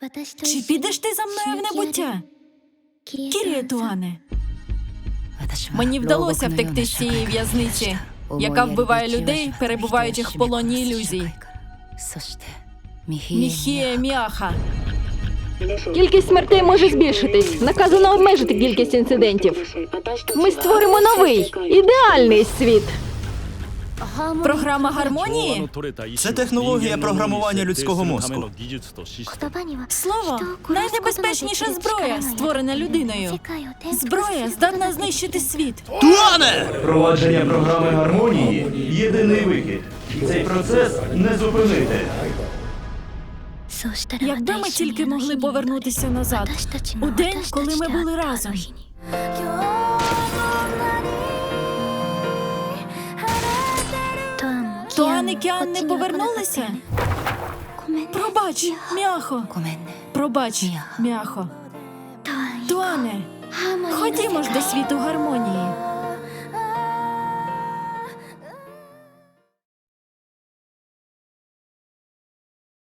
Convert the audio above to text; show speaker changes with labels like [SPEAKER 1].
[SPEAKER 1] Чи підеш ти за мною в небуття? Кіріє Туане, мені вдалося втекти з цієї в'язниці, яка вбиває людей, перебуваючих в полоні ілюзій. Міхіє Міаха.
[SPEAKER 2] Кількість смертей може збільшитись. Наказано обмежити кількість інцидентів. Ми створимо новий, ідеальний світ.
[SPEAKER 1] Програма гармонії?
[SPEAKER 3] Це технологія програмування людського мозку.
[SPEAKER 1] Слово – найнебезпечніша зброя, створена людиною. Зброя здатна знищити світ.
[SPEAKER 3] Туане!
[SPEAKER 4] Впровадження програми гармонії – єдиний вихід. Цей процес не зупинити.
[SPEAKER 1] Якби ми тільки могли повернутися назад, у день, коли ми були разом. Туан і Кіан не повернулися? Пробач, Міахо. Пробач, Міахо. Туане, ходімо ж до світу гармонії.